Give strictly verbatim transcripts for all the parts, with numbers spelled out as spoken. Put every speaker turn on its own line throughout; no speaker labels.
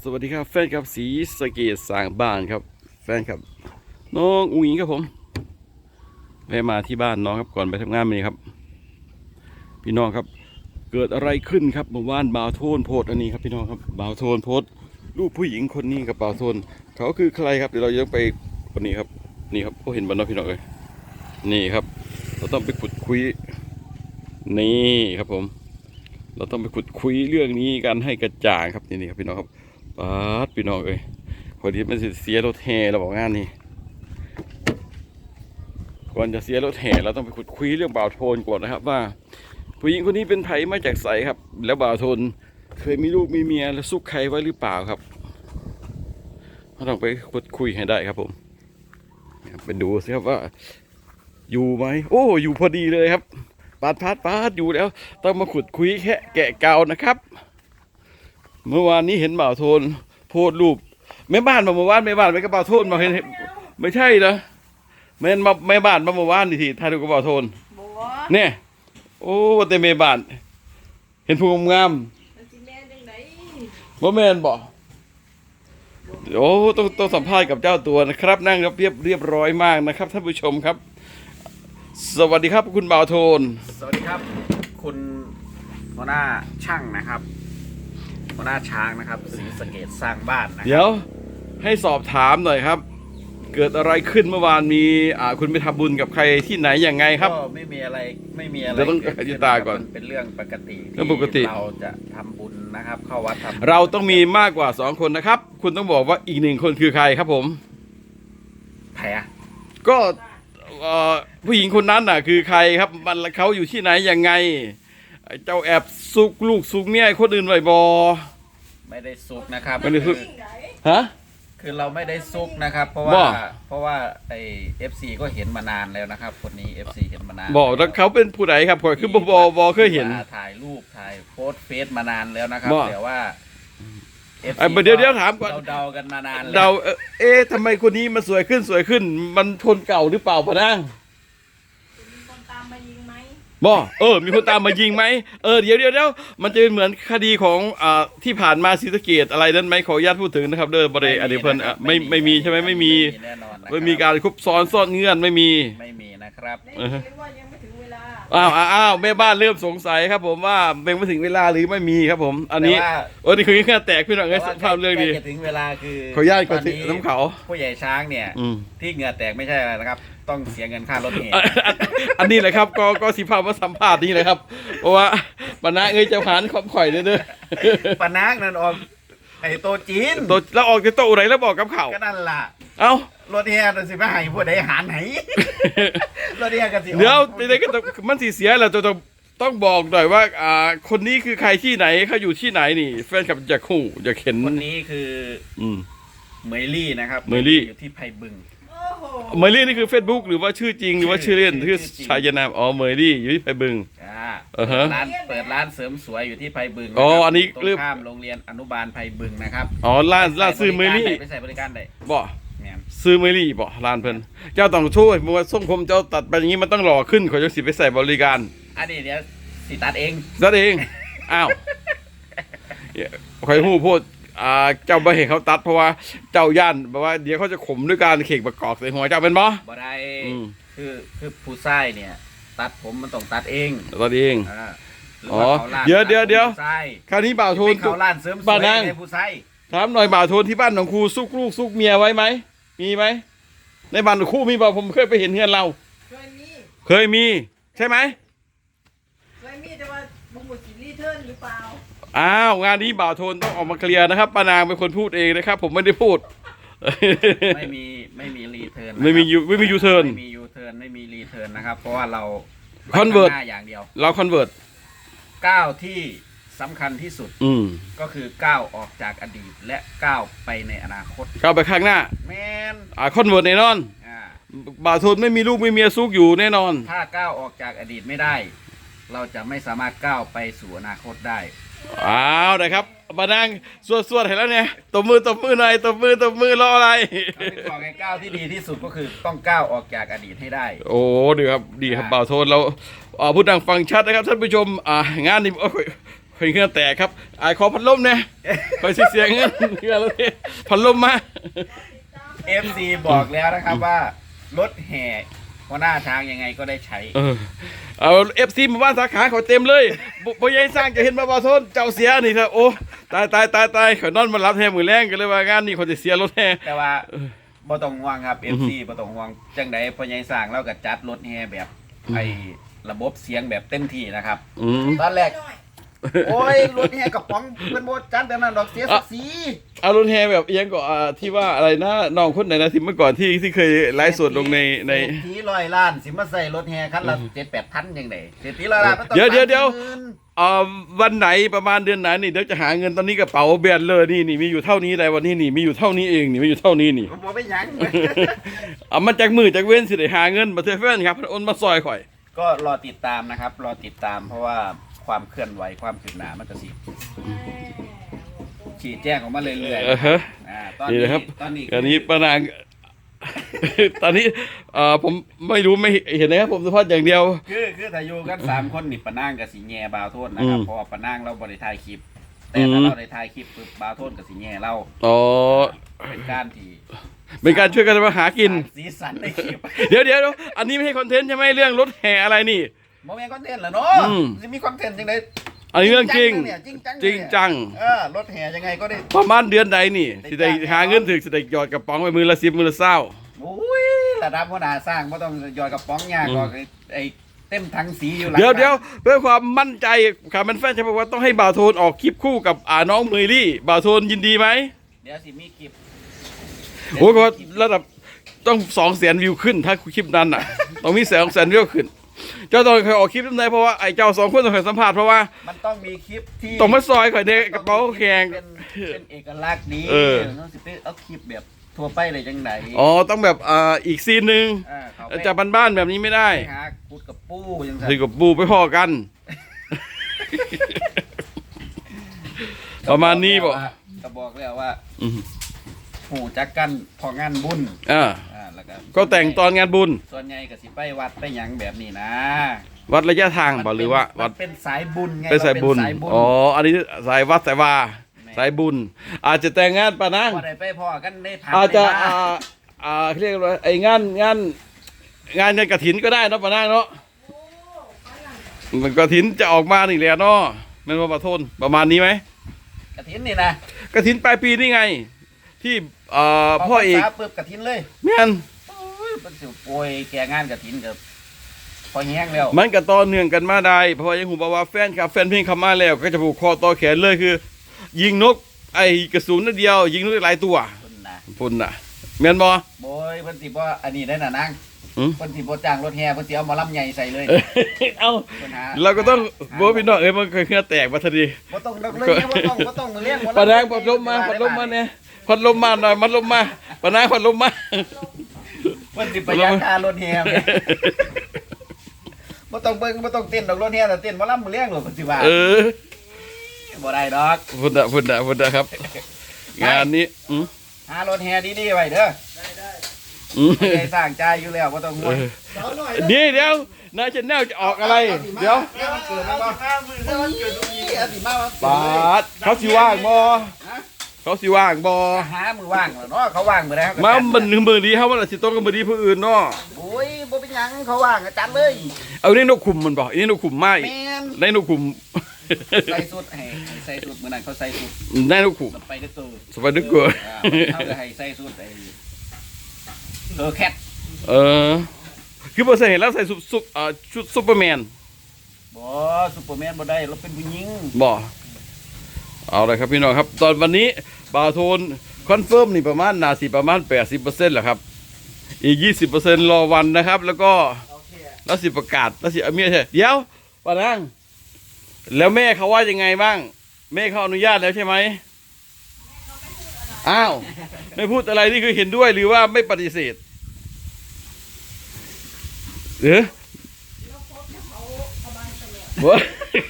สวัสดีครับแฟนครับสีสะเกษสร้างบ้านครับแฟนครับน้องอุ้งอิงครับผมแวะมาที่บ้านน้องครับก่อนไปทำงานเลยครับพี่น้องครับเกิดอะไรขึ้นครับเมื่อวานบ่าวโทนโพสอันนี้ครับพี่น้องครับบ่าวโทนโพสรูปผู้หญิงคนนี้กับบ่าวโทนเขาคือใครครับเดี๋ยวเราจะไปคนนี้ครับนี่ครับเขาเห็นบ้านน้องพี่น้องเลยนี่ครับเราต้องไปขุดคุยนี่ครับผมเราต้องไปขุดคุยเรื่องนี้กันให้กระจ่างครับนี่นี่ครับพี่น้องครับป๊าดพี่น้องเอ้ยคนที่มันเสียรถแห่เราบอกงานนี้ก่อนจะเสียรถแห่เราต้องไปขุดคุยเรื่องบ่าวโทนก่อนนะครับว่าผู้หญิงคนนี้เป็นไผมาจากไสครับแล้วบ่าวโทนเคยมีลูกมีเมียแล้วซุกใครไว้หรือเปล่าครับเราต้องไปขุดคุยให้ได้ครับผมไปดูสิครับว่าอยู่ไหมโอ้อยู่พอดีเลยครับปาดพาดปาดอยู่แล้วต้องมาขุดคุยแค่แกะเก่านะครับเมื่อวานนี้เห็นบ่าวโทนโพสรูปแม่บ้านมาเมื่อวานแม่บ้านไม่กระเป๋าโทนมาเห็นไม่ใช่เหรอแม่มาแม่บ้านมาเมื่อวานนี่ทีถ่ายรูปกระเป๋าโทนเนี่ยโอ้แต่แม่บ้านเห็นผู้งามว่าแม่นบ่โอ้ต้องต้องสัมภาษณ์กับเจ้าตัวนะครับนั่งเรียบเรียบร้อยมากนะครับท่านผู้ชมครับสวัสดีครับคุณบ่าวโทน
สวัสดีครับคุณหัวหน้าช่างนะครับหัวหน้าช้างนะครับศรีสะเกษสร้างบ้านนะ
เดี๋ยวให้สอบถามหน่อยครับเกิดอะไรขึ้นเมื่อวานมีอ่าคุณไปทำบุญกับใครที่ไหนยังไงครับ
ก็ไม่มีอะไรไม่มีอะไร
เราต้องอธิบายก่อน
เป็นเรื่องปกติ
เรื่องปกติ
เราจะทำบุญนะครับเข้าวัดทำ
เราต้องมีมากกว่าสองคนนะครับคุณต้องบอกว่าอีกหนึ่งคนคือใครครับผม
แผล
ก็ผู้หญิงคนนั้นน่ะคือใครครับมันเขาอยู่ที่ไหนยังไงเจ้าแอบซุกลูกซุกเมียคนอื่นไว้บอ
ไม่ได้ซุกนะครับ
ไม่ได้ซุกฮะ
คือเราไม่ได้ซุกนะครับเพราะว่าเพราะว่าไอเอฟซีก็เห็นมานานแล้วนะครับคนนี้เอฟซีเห็นมานาน
บอกแล้วเขาเป็นผู้ใดครับผมคือบอบอบอเคยเห็น
ถ่ายรูปถ่ายโพสเฟซมานานแล้วนะครับแต่ว่า
ไอ้เดี๋ยวเดี๋ยวถามก่อน
เราเดากันมานาน
เดาเอ๊ะทำไมคนนี้มันสวยขึ้นสวยขึ้นมันคนเก่าหรือเปล่าพะนังบ่เออมีคนตามมายิงไหมเออเดี๋ยวเดี๋ยวเดี๋ยวมันจะเป็นเหมือนคดีของอ่าที่ผ่านมาศรีสะเกษอะไรนั้นไหมขออนุญาตพูดถึงนะครับเด้อบริอดีตเพิ่นไม่ไม่มีใช่ไหมไม่มีไม่มีการคุบซ้อนซ่อนเงื่อนไม่มี
ไม่มีนะครับ
อ้าวอ้าวแม่บ้านเริ่มสงสัยครับผมว่าเป็นไม่ถึงเวลาหรือไม่มีครับผมอันนี้โอ้นี่คือแค่แตกพี่น้องไอ้ภาพเรื่องดี
ถึงเวลาคือ
ขออนุญาตก่อนน้ำเขา
ผู้ใหญ่ช้างเนี่ยที่เหงื่อแตกไม่ใช่อะไรนะครับต้องเสียเงินค่ารถเห
อันนี้แหละครับก็ก็สิภาพมาสัมภาษณ์นี่เลยครับเพราะว่าปนาเอ้ยจะผ่านความข่อยเด้อ
ปนานั่นออกไอ้โตจีน
โตแล้วออกจะโตอะไรแล้วบอกกับเขา
ก็นั่นล่ะ
เอ้าร
ถเฮียสิไปให้ผู้ใดหารไหนรถเฮียกันสิ
เดี๋ยวไปเลยก็มันสีเสียแล้วจะต้องต้องบอกหน่อยว่าอ่าคนนี้คือใครที่ไหนเขาอยู่ที่ไหนนี่แฟนคลับจะคู่จะเข็น
คนนี้คืออืมเมลี่นะครับ
เมลี่
อยู่ที่ไผ่บึง
เมลี่นี่คือ Facebook หรือว่าชื่อจริงหรือว่าชื่อเล่นชื่อชายนามอ๋อเมลี่อยู่ที่ไผ่บึง
อ่าร้านเปิดร้านเสริมสวยอยู่ที่ไผ่บึง
อ๋ออันนี้
ตรงข้ามโรงเรียนอนุบาลไผ่บึงนะครับ
อ๋อร้านร้านซื้อเมลี่
ไปใส่บริการได้
บ่ซื้อเมลี่บ่ร้านเพิ่นเจ้าต้องช่วยมัวส่งผมเจ้าตัดไปอย่างนี้มันต้องหล่อขึ้นขอจะสิไปใส่บริการ
อันนี้เดี๋ยวสิตัดเอง
ตัดเองอ้าวใครหู้พูดอ่าเจ้าบ่เห็นเขาตัดเพราะว่าเจ้าย่านเพราะว่าเดี๋ยวเขาจะข่มด้วยการเข่งประกอบใส่หัวเจ้าเป็นบ่
บ่ได้คือคือผู้ชายเนี่ยตัดผมมันต้องตัดเอง
ตัดเองอ๋อเดี๋ยวเดี๋ยวเดี๋ยวคราวนี้บ่าวโทน
เขาล้านเสริมสวยในผู้ชาย
ถามหน่อยบ่าวโทนที่บ้านของครูซุกลูกซุกเมียไว้ไหมมีไหมในบ้านของครูมีบ่าผมเคยไปเห็นเฮือนเราเคยมีเคยมีใช่ไหม
เคยมีแต่ว่าบุ้งบุญรีเทิร์นหรือเปล่า
อ้าวงานนี้บ่าวโทนต้องออกมาเคลียร์นะครับป้านางเป็นคนพูดเองนะครับผมไม่ได้พูด
ไม่มีไม่มีรีเทิร์น
ไม่มียูไม่มียูเทิร์น
ไม่มียูเทิร์นไม่มีรีเทิร์นนะครับเพราะว่าเรา
คอนเวิร์ต
อย่างเดียว
เราคอนเวิร์ต
ก้าวที่สำคัญที่สุดก็คือก้าวออกจากอดีตและก้าวไปในอนาคต
ก้าวไปข้างหน้า
แมน
อ่าคอนเวิร์ตแน่นอนบ่าวโทนไม่มีลูกไม่มีเมียซุกอยู่แน่นอน
ถ้าก้าวออกจากอดีตไม่ได้เราจะไม่สามารถก้าวไปสู่อนาคตได้
อ้าวนะครับมานั่งสวดๆเห็นแล้วเนี่ยตบมือตบมือหน่อยตบมือตบมือรออะไร
บอกไงก้าวที่ดีที่สุดก็คือต้องก้าวออกจากอดีตให้ได้
โอ้ดีครับดีครับบ่าวโทนเราพูดดังฟังชัดนะครับท่านผู้ชมอ่างานนี้โอ้ยคอยเงื่อนแตกครับอายขอพัดลมเนี่ยคอยสิเสียเงินเงื่อนรถแห่พัดลมมา
เอฟซีบอกแล้วนะครับว่ารถแห่หัวหน้าช้างยังไงก็ได้ใช้
เออเอาเอฟซีมาบ้านสาขาเขาเต็มเลยบ่ยัยสร้างจะเห็นมาบ่าวโทนเจ้าเสียนี่ครับโอ้ตายตายตายตายเขานอนมารับแห่มือแรงกันเลยว่างานนี้เขาจะเสียรถแห่
แต่ว่าบ่ต้องห่วงครับ เอฟ ซี บ่ต้องห่วงจังใดพ่อใหญ่สร้างเราก็จัดรถแห่แบบไอ้ระบบเสียงแบบเต็มที่นะครับ
อืม
ตอนแรก โอ้ยรถแห่กับป๋องเพิ่นบ่จัดแบบนั้นดอกเสียศักดิ์ศรี
เอารถแห่แบบเอียงก็อ่าที่ว่าอะไรนะน้องคนไหนนะที่เมื่อก่อนที่ที่เคยไลฟ์สดลงในใน
เศรษฐีร้อยล้านสิมาใส่รถแห่คันละเจ็ดแปดพันจังได๋เศรษฐีร้อยล้านมันต้อง
เดี๋ยวเดี๋ยวเดี๋ยว
สามสี่หมื่น
อ่าวันไหนประมาณเดือนไหนนี่เดี๋ยวจะหาเงินตอนนี้กระเป๋าแบนเลยนี่นี่มีอยู่เท่านี้ได้วันนี้นี่มีอยู่เท่านี้เองนี่มีอยู่เท่านี้นี่
ผมบ่ไปหยัง
เอามันจากมือจากเว้นสิได้หาเงินมาเทอแฟนครับโอนมาซอยข่อย
ก็รอติดตามนะครับ รอติดตามเพราะว่าความเคลื่อนไหวความคืบหน้ามันก็สิชี้แจ้งออกมาเรื่อย
เออฮะ
ๆอ่าตอน
นี่
นี้
นะครับ
ตอนนี้
อันนี้ป้านาง ตอนนี้เอ่อผมไม่รู้ไม่เห็นนะครับผมสัมภาษณ์อย่างเดียว
คือคือถ้าอยู่กันสามคนนี่ปะนางกับสีแง่บาวโทษนะครับ
อืม
เพราะว่าปะนางเราบริถ่ายคลิป แต่
อื
ถ้าม เราได้ถ่ายคลิปปุ๊บบาวโทษกับสีแง่เรา
อ๋อ
เป็นการที่
เป็นการช่วยกันมาหากิน
สร้างสีสันในคลิป
เดี๋ยวเดี๋ยวอันนี้ไม่ใช่คอนเทนต์ใช่ไหมเรื่องรถแห่อะไรนี่
โมเมนต์คอนเทนต์เหรอเนาะ
อืม
จะมีคอนเทนต์ยังไง
อันนี้เรื่องจริง
เนี่ยจริงจัง
จริงจัง
เออรถแห่ยังไงก็ได้
ประมาณเดือนใดนี่สิได้หาเงินถึงสิได้หยอดกระป๋องไปมือละสิบมือละเศร้า
โอ้ยระดับหัวหน้าสร้างไม่ต้องหยอดกระป๋องยากหรอกไอ้ไอ้เต็มถังสีอยู่หลัง
เดี๋ยว
บ้าน
เดี๋ยวเพื่อความมั่นใจขามันแฟนจะบอกว่าต้องให้บ่าวโทนออกคลิปคู่กับอ่าน้องเมยลี่บ่าวโทนยินดีไหม
เดี๋ยวสิมีคลิป
โอ้ยเพราะระดับต้องสองแสนวิวขึ้นถ้าคลิปนั้นอ่ะ ต้องมีแสนแสนวิวขึ้น เจ้าต้องเคยออกคลิปนั้นได้เพราะว่าไอ้เจ้าสองคนต้องเคยสัมภาษณ์เพราะว่า
มันต้องมีคลิปที่
ต้องมาซอยข่อยเด็กกระเป๋าแข็ง
เป็นเป็นเอกลักษณ์ดี
เออ
ต้องสิไปเอาคลิปแบบทั่วไปเลยจังไหน
อ๋อต้องแบบอ่าอีกซีนหนึ่ง
อ่าเขาไป
จะบ้านๆแบบนี้ไม่ได้
หาคุดกับปูจังไง
คือกับบูไปพ่อกัน ประมาณนี้บ่
ก็บอกแล้วว่า
อืม
หูจักกันพองานบุญ
อ่า
อ่าแล้วก็
ก็แต่งตอนงานบุญ
ส่วนใหญ่ก็สิไปวัดไปหยังแบบนี้นะ
วัดระยะทางบ่หรือว่า
มั
วัด
นเป็นสายบุญไง
เป็นสายบุญ
เรเป็นสายบุญ
อ๋อ อันนี้สายวัดสายวา สายบุญ อาจจะแต่งงานปะนัง
พอได้ไปพอกันได้พัก
อาจจะ
ได้
อ่า
บ้าง
อ่าเรียกว่าไอ้งานงานงานงานกระถินก็ได้เนาะปะนังเนาะมันกระถินจะออกมานี่แหละเนาะแมันว่าประทนประมาณนี้ไหม
กระถินนี่นะ
กระถินปลายปีนี่ไง ที่เอ่อพ่อเอก
พรรษาปึ๊บกระถินเลย
แม่น
โอ้ยมันสิโอยแก่งานกระถินกับพอแห้งแล้ว
มันก็ต่อเนื่องกันมาได้เพราะว่ายังหูบอกว่าแฟนครับแฟนเพลงเข้ามาแล้ว ก็จะผูกคอต่อแขนเลยคือ ยิงนกไอ้กระสุนนัดเดียว ยิงนกได้หลายตัว
คุณนะ
พุ่นน่ะแม่นบ่
โบยเพิ่นสิบ่อันนี้ได้น่ะนาง
อืม
เพิ่นสิบ่จ้างรถแห่เพิ่นสิเอาหมาลำใหญ่ใส่เลย
เอ้า
พิ่นห
เราก็ต้อง
หา
โบอกพี่น้องเอ้ยมันเคยเครื่องแตกมาทันที
บ่ต้องดอกเลยบ่ต้องบ่ต้องเลี้ยงบ่
ปะนางพัดลมมาพัดลมมาเนี่ยพัดลมมาหน่อยพัดลมมาปะนางพัดลมมา
เพิ่นสิประหยัดค่ารถแห่แม่บ่ต้องเบิ่งบ่ต้องเต้นดอกรถแห่แต่เต้นหมาลำมื้อเลี้ยงโลดเพิ่นสิว่า
เออ
บ่ได้ดอก
พุ่นน่ะพุ่นน่ะพุ่นน่ะครับ งานนี้อืม
หารถแห่ดีๆไว้เด้อ
อืม
ไม่ได้สร้างจ่ายอยู่แล้วบ่ต้องห่วง
สาวหน่อย
เดี๋ยวเดี๋ยวนายชแนลจะออกอะไร เดี๋ยว
เดี๋ยวมันเกิดมันบ่มือเดี๋ยวมันเกิดตรงนี้อสิมาวันเกิ
ป
ดเลย
าดเขาสิว่างบ่
ฮะ
เขาสิว่างบ่
หามือว่างแล้วเนาะเขาว่างมื้อใดเขาก็
มา
จัด
มันหนึ่งมือดีเขามันอาจสิต้นกับมือดีผู้อื่นเนาะ
โอ้ยบ่เป็นหยังเขาว่างก็จัดเลย
เอานี่นกขุมมันบ่อันนี้นกขุมไม่
แม่น
ได้นกขุม
ใส่สุดให้ให้ใส่สุดมื้อนั้นเขาใส่สุด
ได้นกขุม
สไปเดอร์ตัว
สบายดึกกว่า
อ่าเขาก็ให้ใส่สุดไอ้เธอแคท
เออ คือบ่ใส่เห็นแล้วใส่ซุปซุปเอ่อชุดซุปเปอร์แมน
บ่ซุปเปอร์แมนบ่ได้เราเป็นผู้หญิง
บ่เอาเลยครับพี่น้องครับ ตอนวันนี้บาวโทนคอนเฟิร์มนี่ประมาณนาสิประมาณ แปดสิบเปอร์เซ็นต์ แหละครับ อีก ยี่สิบเปอร์เซ็นต์ รอวันนะครับ แล้วก็แล้วสิประกาศแล้วสิเอาเมียใช่เดี๋ยวปานังแล้วแม่เขาว่ายังไงบ้าง แม่เขาอนุญาตแล้วใช่ไหมอ้าว ไม่พูดอะไรนี่คือเห็นด้วยหรือว่าไม่ปฏิเสธเออวะ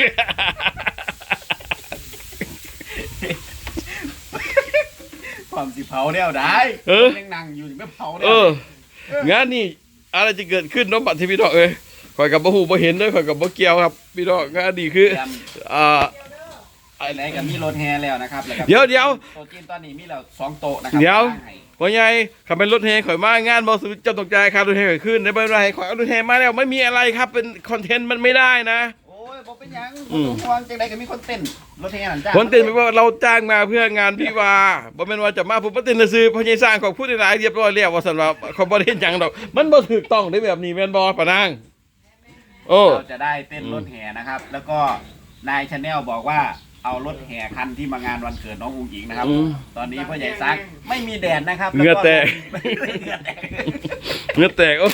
ความสิเผาแล้วได้
เออ
ยังนั่งอยู่ไม่เผาแล้
เอ
ว
องานนี่อะไรจะเกิดขึ้นน้องบัตรที่พี่น้องเอ้ยข่อยกับบ่ฮู้บ่เห็นเด้อข่อยกับบ่เกี่ยวครับพี่น้องงานนี่คือ
เตรียม
อ่า
ไหนกับมีรถแฮแล้วนะครับแล้วก็
เดี๋ยวเดี๋ยว
โต๊ะจีนตอนนี้มีแล้วสองโต๊ะนะครั
เดี๋ยว
ให้
ว่าไงขับเป็นรถแห่ข่อยมางานบอสเจ้าตกใจครับรถแห่ข่อยขึ้นได้ไม่เป็นไรข่อยเอารถแห่มาแล้วไม่มีอะไรครับเป็นคอนเทนต์มันไม่ได้นะ
โอ้ยบอกเป็นหยัง
อื
บ่
ม
ต้องห่วงจังไดก็มีคนเต้นรถแฮนั่นจ้า
คนเต้นไม่ว่าเราจ้างมาเพื่องานพี่วาบ่แม่นว่าจะมาผมมาเต้นซื้อพอใหญสร้างของผู้ได้หลายเรียบร้อยแล้วว่าซั่นว่าเขาบ่ได้เฮ็ดหยังดอกมันบ่ถูกต้องได้แบบนี้แม่นบ่ปะนางโอ้
เราจะได้เต้นรถแห่นะครับ แล้วก็นายชาแนลบอกว่าเอารถแห่คันที่มางานวันเกิดน้องอุ้งอิงนะครับ
อืม
ตอนนี้พ่อใหญ่ซักไม่มีแดดนะครับ
เหงื่อแตก
เหงื่อแตก
เงือแตกโอ้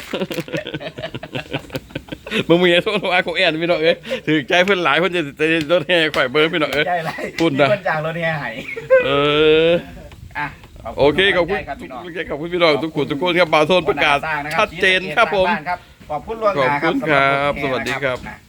มึงมีโทษว่าของแอนพี่น้องเอ้ยถือใจเพิ่นหลายเพิ่นจะจะรถแห่ข่อยเบิ่งพี่น้องเอ้ย
ใช่ไร
ปุ่น
มี
นะ
คนจากรถแห่ให้
เออ
อ่ะ
โอเคขอบคุณ
ครับพี่น้อง
ขอบคุณพี่น้องทุกคนทุกคนครับบ่าวโทนประกาศชัดเจนครับผม
ขอบคุณล่วงหน้า
ขอบคุณครับ
สำหถ
สวัสดีครับ
แห่นะ